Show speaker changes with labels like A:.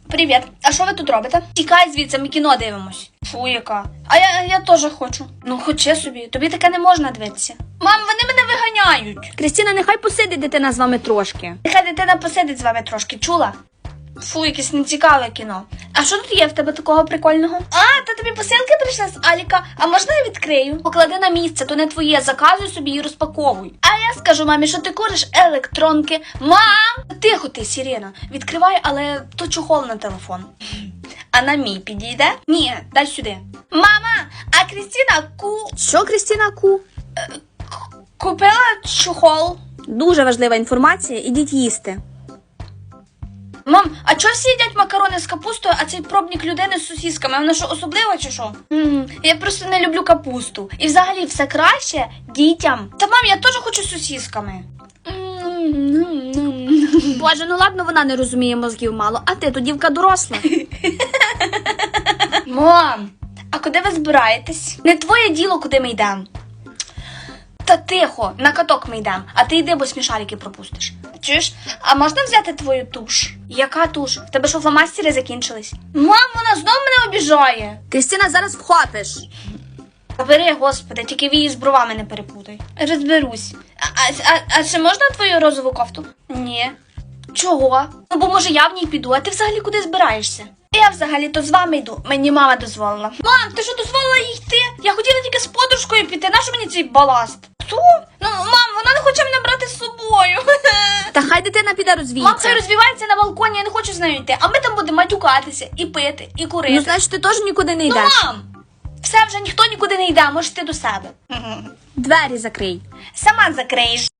A: Привіт. А що ви тут робите? Тікай звідси, ми кіно дивимось. Фу, яка. А я теж хочу. Ну, хочи собі, тобі таке не можна дивитися. Мам, вони мене виганяють.
B: Крістіна, нехай посидить дитина з вами трошки.
A: Нехай дитина посидить з вами трошки, чула? Фу, якесь нецікаве кіно. А що тут є в тебе такого прикольного? А, та тобі посилки прийшли з Аліка. А можна я відкрию? Поклади на місце, то не твоє, заказуй собі і розпаковуй. А я скажу мамі, що ти куриш електронки. Мам! Тихо ти, Сірена. Відкривай, але то чохол на телефон. А на мій підійде? Ні, дай сюди. Мама, а Крістіна
B: Що, Крістіна Ку?
A: купила чохол.
B: Дуже важлива інформація, ідіть їсти.
A: Мам, а чого всі їдять макарони з капустою, а цей пробник людини з сосісками? Вона що, особлива чи що? Я просто не люблю капусту. І взагалі все краще дітям. Та мам, я теж хочу з сосісками.
B: Боже, ну ладно, вона не розуміє, мозгів мало, а ти то дівка доросла.
A: Мам, а куди ви збираєтесь? Не твоє діло, куди ми йдемо. Та тихо, на каток ми йдемо, а ти йди, бо смішарики пропустиш. Чуєш, а можна взяти твою туш? Яка туш? В тебе що, фломастери закінчились? Мам, вона знову мене обіжає.
B: Крістіна, зараз вхопиш.
A: Бери, господи, тільки вії з бровами не перепутай. Розберусь. А чи можна твою розову кофту? Ні. Чого? Ну, бо може я в ній піду, а ти взагалі куди збираєшся? Я взагалі-то з вами йду, мені мама дозволила. Мам, ти що дозволила їй йти? Я хотіла тільки з подружкою піти, нащо мені цей баласт? Що? Ну, мам, вона не хоче мене брати з собою.
B: Та хай дитина піде
A: Мам,
B: розвіється.
A: хай розвивається на балконі, я не хочу з нею йти. А ми там будемо матюкатися, і пити, і курити.
B: Ну, значить, ти теж нікуди не
A: Ну,
B: йдеш.
A: мам, все, вже ніхто нікуди не йде, можеш ти до себе.
B: Двері закрий.
A: Сама закриєш.